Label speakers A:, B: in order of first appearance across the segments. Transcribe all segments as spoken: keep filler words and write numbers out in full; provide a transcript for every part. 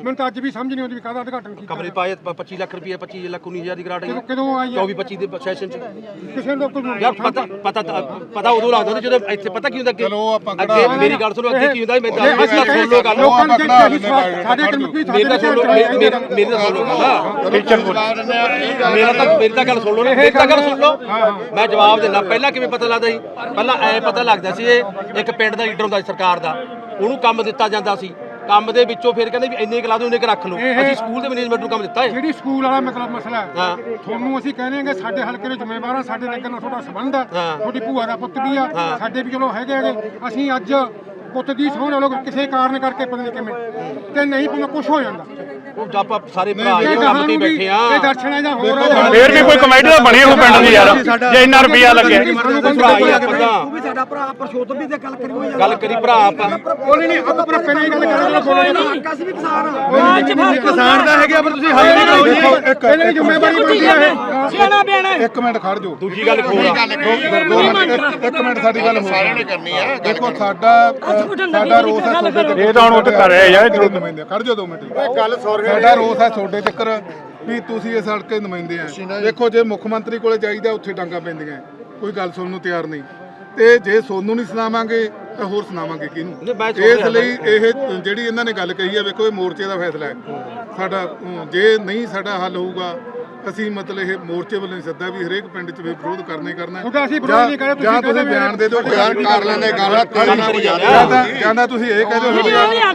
A: ਮੈਨੂੰ ਤਾਂ ਅੱਜ ਵੀ ਸਮਝ ਨਹੀਂ ਆਉਂਦੀ ਵੀ ਕਾਹਦਾ ਉਦਘਾਟਨ ਕੀਤਾ
B: ਕਮਰੇ ਪਾਏ ਪੱਚੀ ਲੱਖ ਰੁਪਏ ਪੱਚੀ ਲੱਖ ਉੱਨੀ ਹਜ਼ਾਰ ਦੀ ਗ੍ਰਾਂਟ ਆਈ
A: ਕਦੋਂ ਆਈ
B: ਚੌਵੀ ਪੱਚੀ ਦੇ ਸੈਸ਼ਨ ਚ
A: ਕਿਸੇ ਨੂੰ ਕੋਈ
B: ਯਾਰ ਪਤਾ ਪਤਾ ਪਤਾ ਉਦੋਂ ਲੱਗਦਾ ਜਦੋਂ ਇੱਥੇ ਪਤਾ ਕੀ ਹੁੰਦਾ ਕਿ
C: ਚਲੋ ਆਪਾਂ
B: ਅੱਗੇ ਮੇਰੀ ਗੱਲ ਸੁਣੋ ਅੱਗੇ ਕੀ ਹੁੰਦਾ ਮੈਂ ਦੱਸ ਸੁਣ ਲਓ ਗੱਲ
A: ਲੋਕਾਂ ਨੂੰ ਸਾਡੇ ਕਮਿਟੀ
B: ਮੇਰੀ ਤਾਂ ਸੁਣ ਲਓ ਮੇਰੀ ਤਾਂ ਸੁਣ ਲਓ ਗੱਲ ਟੀਚਰ ਬੋਲ ਮੇਰਾ ਤਾਂ ਮੇਰੀ ਤਾਂ ਗੱਲ ਸੁਣ ਲਓ ਮੇਰੀ ਤਾਂ ਗੱਲ ਸੁਣ ਲਓ ਮੈਂ ਜਵਾਬ ਦਿੰਦਾ ਪਹਿਲਾਂ ਕਿਵੇਂ ਪਤਾ ਲੱਗਦਾ ਸੀ ਪਹਿਲਾਂ ਐ ਪਤਾ ਲੱਗਦਾ ਸੀ ਇਹ ਇੱਕ ਪਿੰਡ ਦਾ ਲੀਡਰ ਹੁੰਦਾ ਸੀ ਸਰਕਾਰ ਦਾ ਉਹਨੂੰ ਕੰਮ ਦਿੱਤਾ ਜਾਂਦਾ ਸੀ ਕੰਮ ਦੇ ਵਿੱਚੋਂ ਫਿਰ ਕਹਿੰਦੇ ਵੀ ਇੰਨੇ ਕਲਾ ਦੋ ਇੰਨੇ ਕ ਰੱਖ ਲਓ ਅਸੀਂ ਸਕੂਲ ਦੇ ਮੈਨੇਜਮੈਂਟ ਨੂੰ ਕੰਮ ਦਿੱਤਾ ਹੈ
A: ਜਿਹੜੀ ਸਕੂਲ ਵਾਲਾ ਮਤਲਬ ਮਸਲਾ ਹੈ ਤੁਹਾਨੂੰ ਅਸੀਂ ਕਹਿੰਦੇ ਹਾਂ ਕਿ ਸਾਡੇ ਹਲਕੇ ਦੇ ਜ਼ਿੰਮੇਵਾਰ ਆ ਸਾਡੇ ਨਗਰ ਨਾਲ ਤੁਹਾਡਾ ਸੰਬੰਧ ਹੈ ਤੁਹਾਡੀ ਭੂਆ ਦਾ ਪੁੱਤ ਵੀ ਆ ਸਾਡੇ ਵੀ ਚਲੋ ਹੈਗੇ ਹੈਗੇ ਅਸੀਂ ਅੱਜ ਪੁੱਤ ਦੀ ਸਹੁੰ ਨਾਲ ਲੋਕ ਕਿਸੇ ਕਾਰਨ ਕਰਕੇ ਪਤਾ ਨਹੀਂ ਕਿਵੇਂ ਤੇ ਨਹੀਂ ਪਤਾ ਕੁਝ ਹੋ ਜਾਂਦਾ
B: ਉਹ ਆਪਾਂ ਸਾਰੇ ਭਰਾ ਇਹ ਕੰਮ ਤੇ ਬੈਠੇ ਆ
A: ਇਹ ਦਰਸ਼ਨਾਂ ਜਾਂ ਹੋਰ
D: ਫੇਰ ਵੀ ਕੋਈ ਕਮੇਟੀ ਤਾਂ ਬਣੀ ਹੋ ਪਿੰਡ ਦੀ ਯਾਰ ਜੇ ਇੰਨਾ ਰੁਪਿਆ ਲੱਗਿਆ
B: ਉਹ
E: ਵੀ ਸਾਡਾ ਭਰਾ ਪਰਸ਼ੋਤਮ ਵੀ ਤੇ ਗੱਲ ਕਰੀ ਹੋਈ
B: ਗੱਲ ਕਰੀ ਭਰਾ ਆਪਾਂ
A: ਕੋਈ ਨਹੀਂ ਆਪਾਂ ਪਰ ਪਹਿਲਾਂ ਹੀ ਗੱਲ ਕਰਾਂਗੇ ਕੋਈ ਨਹੀਂ
E: ਅਸੀਂ ਵੀ ਕਿਸਾਨ
C: ਕਿਸਾਨ ਦਾ ਹੈਗਾ ਪਰ ਤੁਸੀਂ ਹਾਈ ਨਹੀਂ ਕਰੋ ਜੀ
A: ਪਹਿਲਾਂ ਹੀ ਜ਼ਿੰਮੇਵਾਰੀ ਬਣਦੀ ਹੈ
E: ਸਿਆਣਾ ਬਿਆਣਾ
C: ਇੱਕ ਮਿੰਟ ਖੜ ਜਾਓ
B: ਦੂਜੀ ਗੱਲ ਖੋਲ
C: ਇੱਕ ਮਿੰਟ ਸਾਡੀ ਗੱਲ ਸਾਰਿਆਂ ਨੇ ਕਰਨੀ ਆ ਦੇਖੋ ਸਾਡਾ ਸਾਡਾ ਰੋਸ ਹੈ ਤੁਹਾਡੇ
D: ਇਹ ਤਾਂ ਹੁਣ ਉੱਥੇ ਕਰ ਰਿਹਾ ਯਾਰ
C: ਨੁਮਾਇੰਦੇ ਖੜ ਜਾਓ ਦੋ ਮਿੰਟ ਗੱਲ ਸਾਡਾ ਰੋਸ ਹੈ ਤੁਹਾਡੇ ਚੱਕਰ ਵੀ ਤੁਸੀਂ ਇਸ ਹਲਕੇ ਨੁਮਾਇੰਦੇ ਆ ਦੇਖੋ ਜੇ ਮੁੱਖ ਮੰਤਰੀ ਕੋਲੇ ਜਾਈਦਾ ਉੱਥੇ ਡਾਂਗਾ ਪੈਂਦੀਆਂ ਕੋਈ ਗੱਲ ਸੁਣਨ ਨੂੰ ਤਿਆਰ ਨਹੀਂ ਤੇ ਜੇ ਸੋਨੂੰ ਨਹੀਂ ਸੁਣਾਵਾਂਗੇ ਤਾਂ ਹੋਰ ਸੁਣਾਵਾਂਗੇ ਕਿਹਨੂੰ ਇਸ ਲਈ ਇਹ ਜਿਹੜੀ ਇਹਨਾਂ ਨੇ ਗੱਲ ਕਹੀ ਹੈ ਵੇਖੋ ਇਹ ਮੋਰਚੇ ਦਾ ਫੈਸਲਾ ਹੈ ਸਾਡਾ ਜੇ ਨਹੀਂ ਸਾਡਾ ਹੱਲ ਹੋਊਗਾ ਅਸੀਂ ਮਤਲਬ ਇਹ ਮੋਰਚੇ ਵੱਲੋਂ ਸੱਦਾ ਵੀ ਹਰੇਕ ਪਿੰਡ 'ਚ ਵਿਰੋਧ ਕਰਨਾ ਹੀ ਕਰਨਾ ਜਾਂ ਤੁਸੀਂ ਬਿਆਨ ਦੇ ਦਿਓ ਕਰ ਲੈਣੇ ਗੱਲ ਜਾਂਦਾ ਤੁਸੀਂ ਇਹ ਕਹਿ ਦਿਓ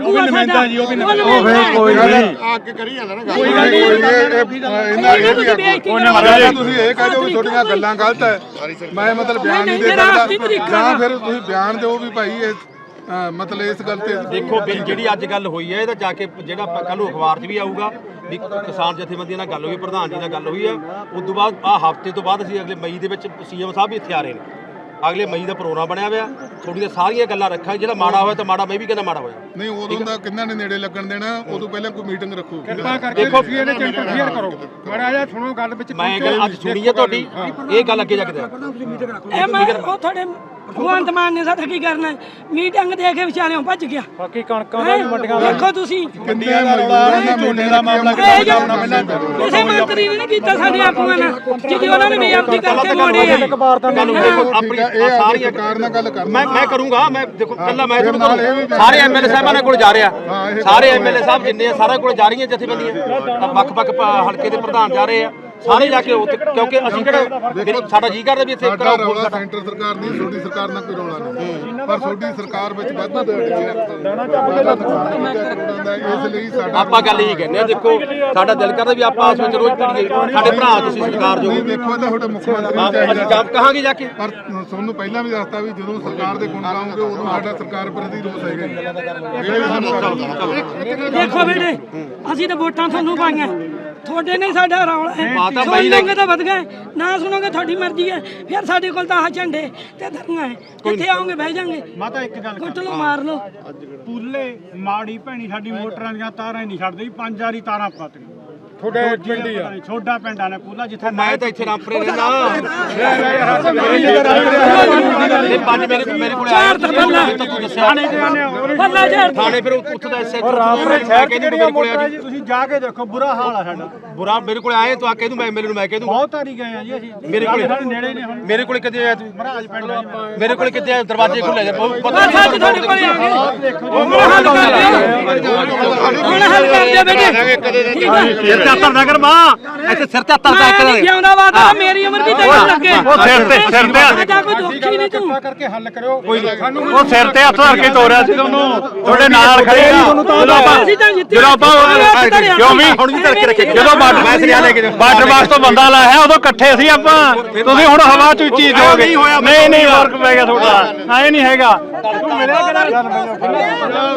C: ਅੱਗੇ ਕਰੀ ਜਾਂਦਾ ਨਾ ਤੁਸੀਂ ਇਹ ਕਹਿ ਦਿਓ ਵੀ ਤੁਹਾਡੀਆਂ ਗੱਲਾਂ ਗਲਤ ਹੈ ਮੈਂ ਮਤਲਬ ਬਿਆਨ ਨਹੀਂ ਦੇ ਸਕਦਾ ਜਾਂ ਫਿਰ ਤੁਸੀਂ ਬਿਆਨ ਦਿਓ ਵੀ ਭਾਈ ਇਹ ਮਤਲਬ ਇਸ ਗੱਲ ਤੇ
B: ਦੇਖੋ ਬਿੱਲ ਜਿਹੜੀ ਅੱਜ ਗੱਲ ਹੋਈ ਹੈ ਇਹਦਾ ਜਾ ਕੇ ਜਿਹੜਾ ਕੱਲ ਨੂੰ ਅਖਬਾਰ 'ਚ ਵੀ ਆਊਗਾ ਵੀ ਕਿਸਾਨ ਜਥੇਬੰਦੀਆਂ ਨਾਲ ਗੱਲ ਹੋਈ ਪ੍ਰਧਾਨ ਜੀ ਨਾਲ ਗੱਲ ਹੋਈ ਹੈ ਉਸ ਤੋਂ ਬਾਅਦ ਆਹ ਹਫ਼ਤੇ ਤੋਂ ਬਾਅਦ ਅਸੀਂ ਅਗਲੇ ਮਈ ਦੇ ਵਿੱਚ ਸੀਐਮ ਸਾਹਿਬ ਵੀ ਇੱਥੇ ਆ ਰਹੇ ਨੇ ਅਗਲੇ ਮਈ ਦਾ ਪ੍ਰੋਗਰਾਮ ਬਣਿਆ ਹੋਇਆ ਥੋੜੀਆਂ ਸਾਰੀਆਂ ਗੱਲਾਂ ਰੱਖਾਂ ਜਿਹੜਾ ਮਾੜਾ ਹੋਇਆ ਤਾਂ ਮਾੜਾ ਮੈਂ ਵੀ ਕਹਿੰਦਾ ਮਾੜਾ ਹੋਇਆ
C: ਨਹੀਂ ਉਦੋਂ ਦਾ ਕਿੰਨਾ ਨੇ ਨੇੜੇ ਲੱਗਣ ਦੇਣਾ ਉਦੋਂ ਪਹਿਲਾਂ ਕੋਈ ਮੀਟਿੰਗ ਰੱਖੋ
A: ਕਿਰਪਾ ਕਰਕੇ ਤੁਸੀਂ ਇਹਦੇ ਚ ਇੰਟਰਫੇਅਰ ਕਰੋ ਮਾੜਾ ਜਿਹਾ ਸੁਣੋ ਗੱਲ ਵਿੱਚ
B: ਮੈਂ ਗੱਲ ਅੱਜ ਸੁਣੀ ਹੈ ਤੁਹਾਡੀ ਇਹ ਗੱਲ ਅੱਗੇ ਜਾ ਕੇ
E: ਇਹ ਮੈਂ ਉਹ ਤੁਹਾਡੇ ਭਗਵੰਤ ਮਾਨ ਨੇ ਸਾਡਾ ਕੀ ਕਰਨਾ ਮੀਟਿੰਗ ਦੇ ਕੇ ਵਿਚਾਰਿਆਂ ਭੱਜ ਗਿਆ
D: ਬਾਕੀ ਕਣਕਾਂ ਦਾ ਵੀ ਮੰਡੀਆਂ
E: ਦੇਖੋ ਤੁਸੀਂ
C: ਕਿੰਨੇ ਰੌਲਾ ਝੋਨੇ ਦਾ ਮਾਮਲਾ
E: ਕਿਸੇ ਮੰਤਰੀ ਨੇ ਨਹੀਂ ਕੀਤਾ ਸਾਡੇ ਆਗੂਆਂ ਨਾਲ ਜਿਹਦੀ ਉਹਨਾਂ ਨੇ ਬੇਅਦਬੀ ਕਰਕੇ ਮੋੜੇ ਆ
B: ਆਪਣੀ ਸਾਰੀਆਂ
C: ਸਰਕਾਰ ਨਾਲ ਗੱਲ ਕਰ
B: ਮੈਂ ਮੈਂ ਕਰੂੰਗਾ ਮੈਂ ਦੇਖੋ ਕੱਲਾ ਮੈਂ ਤੁਹਾਨੂੰ ਸਾਰੇ ਐਮਐਲਏ ਸਾਹਿਬਾਂ ਕੋਲ ਜਾ ਰਿਹਾ ਸਾਰੇ ਐਮਐਲਏ ਸਾਹਿਬ ਜਿੰਨੇ ਆ ਸਾਰਿਆਂ ਕੋਲ ਜਾ ਰਹੀਆਂ ਜਥੇਬੰਦੀਆਂ ਵੱਖ-ਵੱਖ ਹਲਕੇ ਦੇ ਪ੍ਰਧਾਨ ਜਾ ਰਹੇ ਆ ਸਾਰੇ ਜਾ ਕੇ ਕਿਉਂਕਿ ਅਸੀਂ ਕਿਹੜਾ ਸਾਡਾ ਜੀ ਕਰਦਾ ਵੀ ਇੱਥੇ
C: ਸਾਡਾ ਰੌਲਾ ਸੈਂਟਰ ਸਰਕਾਰ ਦੀ ਛੋਟੀ ਸਰਕਾਰ ਨਾਲ ਕੋਈ ਰੌਲਾ ਨਹੀਂ ਪਰ ਛੋਟੀ ਸਰਕਾਰ ਵਿੱਚ ਵਾਧਾ ਇਸ ਲਈ ਸਾਡਾ
B: ਆਪਾਂ ਗੱਲ ਇਹ ਕਹਿੰਦੇ ਆ ਦੇਖੋ ਸਾਡਾ ਦਿਲ ਕਰਦਾ ਵੀ ਆਪਾਂ ਆਪਸ ਵਿੱਚ ਰੋਜ਼ ਪੜੀਏ ਸਾਡੇ ਭਰਾ ਤੁਸੀਂ ਸਰਕਾਰ ਜੋ
C: ਦੇਖੋ ਤਾਂ ਤੁਹਾਡਾ ਮੁੱਖ ਮੰਤਰੀ
B: ਅਸੀਂ ਕੰਮ ਕਹਾਂਗੇ ਜਾ ਕੇ
C: ਪਰ ਤੁਹਾਨੂੰ ਪਹਿਲਾਂ ਵੀ ਦੱਸਤਾ ਵੀ ਜਦੋਂ ਸਰਕਾਰ ਦੇ ਗੁਣ ਗਾਉਂਗੇ ਉਦੋਂ ਸਾਡਾ ਸਰਕਾਰ ਪ੍ਰਤੀ ਰੋਸ ਹੈਗਾ
E: ਦੇਖੋ ਬੇਟੇ ਅਸੀਂ ਤਾਂ ਵੋਟਾਂ ਤੁਹਾਨੂੰ ਪਾਈਆਂ ਤੁਹਾਡੇ ਨੇ ਸਾਡਾ ਰੌਲਾ ਹੈ ਸੁਣੋਗੇ ਤਾਂ ਵਧ ਗਏ ਨਾ ਸੁਣੋਗੇ ਤੁਹਾਡੀ ਮਰਜ਼ੀ ਹੈ ਫਿਰ ਸਾਡੇ ਕੋਲ ਤਾਂ ਆਹ ਝੰਡੇ ਤੇ ਧਰਨਾ ਹੈ ਕਿੱਥੇ ਆਉਂਗੇ ਬਹਿ ਜਾਾਂਗੇ
D: ਮਾਤਾ ਇੱਕ ਗੱਲ
E: ਕੁੱਟ ਲਓ ਮਾਰ ਲਓ
D: ਪੂਲੇ ਮਾੜੀ ਭੈਣੀ ਸਾਡੀ ਮੋਟਰਾਂ ਦੀਆਂ ਤਾਰਾਂ ਹੀ ਨਹੀਂ ਛੱਡਦੀ ਪੰਜ ਵਾਰੀ ਤਾਰਾਂ ਪਾਤੀਆਂ
A: ਤੁਹਾਡੇ ਪਿੰਡ ਹੀ ਆ
D: ਛੋਡਾ ਪਿੰਡ ਆ ਨੇ ਪੂਲਾ ਜਿੱਥੇ
B: ਮੈਂ ਤਾਂ ਇੱਥੇ ਰਾਮਪੁਰੇ ਰਹਿਣਾ ਇਹ ਪੰਜ ਮੇਰੇ ਮੇਰੇ ਕੋਲ ਆਇਆ ਤੂੰ ਦੱਸਿਆ
E: ਬੱਲਾ ਝਾੜ
B: ਥਾਣੇ ਫਿਰ ਉੱਥੇ ਦਾ ਐਸਐਚ
D: ਰਾਮਪੁਰੇ ਸ਼ਹਿਰ ਕਿਹੜੀਆਂ ਮੋਟਰਾਂ ਜੀ ਤੁਸੀਂ ਜਾ ਕੇ ਦੇਖੋ ਬੁਰਾ ਹਾਲ ਆ ਸਾਡਾ
B: ਬੁਰਾ ਮੇਰੇ ਕੋਲ ਆਏ ਤੂੰ ਆ ਕਹਿ ਦੂੰ ਮੈਂ ਐਮਐਲਏ ਨੂੰ ਮੈਂ ਕਹਿ ਦੂੰ
D: ਬਹੁਤ ਵਾਰੀ ਗਏ ਆ ਜੀ ਅਸੀਂ
B: ਮੇਰੇ ਕੋਲ
D: ਨੇੜੇ ਨੇ ਹੁਣ
B: ਮੇਰੇ ਕੋਲ ਕਿੱਥੇ ਆਇਆ ਤੂੰ
D: ਮਹਾਰਾਜ ਪਿੰਡ
B: ਮੇਰੇ ਕੋਲ ਕਿੱਥੇ ਆਇਆ ਦਰਵਾਜ਼ੇ ਖੁੱਲੇ ਜਾ
E: ਪਤਾ ਨਹੀਂ ਤੁਹਾਡੇ ਕੋਲ ਆ ਗਏ ਹੁਣ ਹੱਲ ਕਰ ਦਿਓ ਹੁਣ ਹੱਲ ਕਰ ਦਿਓ ਬੇਟੇ
B: ਸਿਰ ਤੇ ਹੱਥ ਕਰ ਮਾਂ ਇੱਥੇ ਸਿਰ ਤੇ ਹੱਥ ਰੱਖ
E: ਕੇ ਜਿਉਂਦਾ ਵਾਦਾ ਮੇਰੀ ਉਮਰ ਵੀ ਤੈਨੂੰ ਲੱਗੇ
D: ਉਹ ਸਿਰ ਤੇ ਸਿਰ ਤੇ
E: ਸਾਡਾ ਕੋਈ ਦੁੱਖੀ ਨਹੀਂ ਤੂੰ
A: ਕਰਕੇ ਹੱਲ ਕਰਿਓ ਸਾਨੂੰ
D: ਉਹ ਸਿਰ ਤੇ ਹੱਥ ਧਰ ਕੇ ਤੋਰਿਆ ਸੀ ਤੁਹਾਨੂੰ ਤੁਹਾਡੇ ਨਾਲ ਖੜੇ ਆ ਜਦੋਂ ਆਪਾਂ ਜਦੋਂ ਆਪਾਂ ਕਿਉਂ ਵੀ
B: ਹੁਣ ਵੀ ਧਰ ਕੇ ਰੱਖੇ
D: ਜਦੋਂ ਬਾਰਡਰ ਬਾਕਸ ਤੋਂ ਬੰਦਾ ਲਾਇਆ ਉਦੋਂ ਇਕੱਠੇ ਸੀ ਆਪਾਂ ਤੁਸੀਂ ਹੁਣ ਹਵਾ ਚ ਉੱਚੀ ਜਾਓਗੇ ਨਹੀਂ ਨਹੀਂ ਫਰਕ ਪੈ ਗਿਆ ਤੁਹਾਡਾ ਐ ਨਹੀਂ ਹੈਗਾ ਤੂੰ ਮਿਲਿਆ